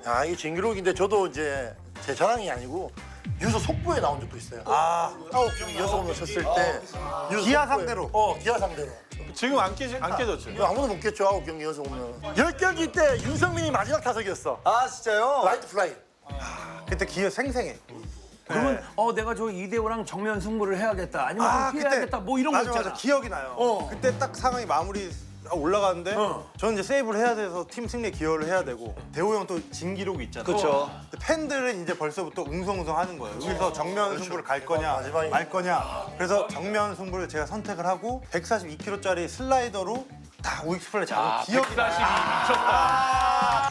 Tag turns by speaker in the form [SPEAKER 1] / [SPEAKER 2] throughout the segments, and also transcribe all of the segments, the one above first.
[SPEAKER 1] 야, 이게 진기록인데 저도 이제 제 자랑이 아니고 유소 속보에 나온 적도 있어요.
[SPEAKER 2] 아,
[SPEAKER 1] 9경기 연속 홈런 쳤을 때 유소
[SPEAKER 2] 기아
[SPEAKER 1] 속보에-
[SPEAKER 2] 상대로?
[SPEAKER 1] 기아 상대로.
[SPEAKER 3] 지금 안 깨졌죠?
[SPEAKER 1] 이거 아무도 못 깼죠, 9경기 연속 홈런. 10경기 때 윤성민이 마지막 타석이었어.
[SPEAKER 2] 아 진짜요?
[SPEAKER 1] 라이트 플라이.
[SPEAKER 2] 그때 기회 생생해.
[SPEAKER 4] 그러면 내가 저 이대호랑 정면 승부를 해야겠다. 아니면 좀 피해야겠다. 뭐 이런
[SPEAKER 2] 맞아,
[SPEAKER 4] 거 있잖아.
[SPEAKER 2] 맞아, 기억이 나요. 그때 딱 상황이 마무리 올라가는데 저는 이제 세이브를 해야 돼서 팀 승리에 기여를 해야 되고 대호 형 또 진기록이 있잖아요.
[SPEAKER 5] 그쵸.
[SPEAKER 2] 근데 팬들은 이제 벌써부터 웅성웅성 하는 거예요. 여기서 정면 승부를 갈 거냐
[SPEAKER 1] 마지막에.
[SPEAKER 2] 말 거냐. 그래서 정면 승부를 제가 선택을 하고 142kg짜리 슬라이더로 딱 우익수 플레이 잡은 기억이 나요.
[SPEAKER 3] 142 미쳤다.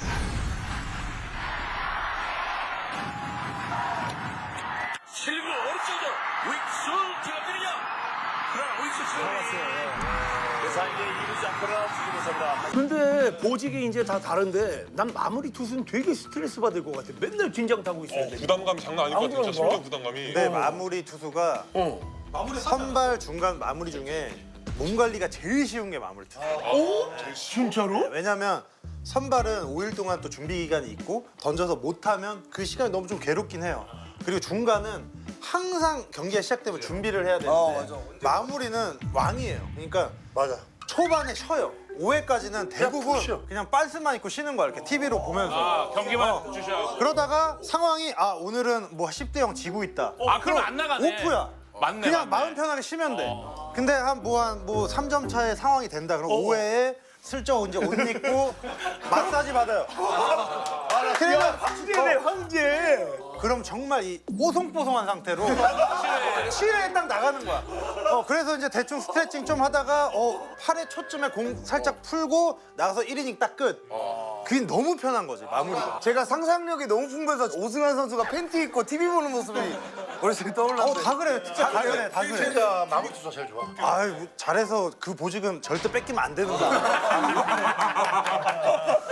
[SPEAKER 6] 실구 오른쪽으로 윅수 들어가느냐? 그러나 윅수 들어갔어요. 그래서 이제 이루지 않거나 주지못합니다.
[SPEAKER 4] 근데 보직이 이제 다 다른데 난 마무리 투수는 되게 스트레스 받을 것 같아. 맨날 긴장 타고 있어야 돼.
[SPEAKER 3] 부담감이 장난 아닐 것 같아요. 진짜 심리적 부담감이.
[SPEAKER 2] 근데 마무리 투수가 선발 중간 마무리 중에 몸 관리가 제일 쉬운 게 마무리 투수.
[SPEAKER 4] 진짜로?
[SPEAKER 2] 왜냐면 선발은 5일 동안 또 준비 기간이 있고 던져서 못하면 그 시간이 너무 좀 괴롭긴 해요. 그리고 중간은 항상 경기가 시작되면 준비를 해야 되는데 마무리는 왕이에요. 그러니까
[SPEAKER 1] 맞아.
[SPEAKER 2] 초반에 쉬어요. 5회까지는 대부분
[SPEAKER 1] 푹 쉬어.
[SPEAKER 2] 그냥 빤스만 입고 쉬는 거야. 이렇게 TV로 보면서.
[SPEAKER 3] 경기만 주셔.
[SPEAKER 2] 그러다가 상황이 오늘은 뭐 10대 0 지고 있다.
[SPEAKER 3] 그럼 안 나가네.
[SPEAKER 2] 오프야.
[SPEAKER 3] 맞네.
[SPEAKER 2] 그냥 마음 편하게 쉬면 돼. 근데 한 3점 차의 상황이 된다. 그럼 5회에 슬쩍 이제 옷 입고 마사지 받아요. 그러면
[SPEAKER 4] 황제네 황제.
[SPEAKER 2] 그럼 정말 이 뽀송뽀송한 상태로 7회에 딱 나가는 거야. 그래서 이제 대충 스트레칭 좀 하다가 8회 초쯤에 공 살짝 풀고 나가서 1이닝 딱 끝. 그게 너무 편한 거지 마무리가.
[SPEAKER 5] 제가 상상력이 너무 풍부해서 오승환 선수가 팬티 입고 TV 보는 모습이 머릿속에 떠올랐어요.
[SPEAKER 2] 다 그래, 진짜 다 그래, 다 그래.
[SPEAKER 1] 진짜 마무리 투수가 제일 좋아.
[SPEAKER 2] 아유, 잘해서 그 보직은 절대 뺏기면 안 되는 거야.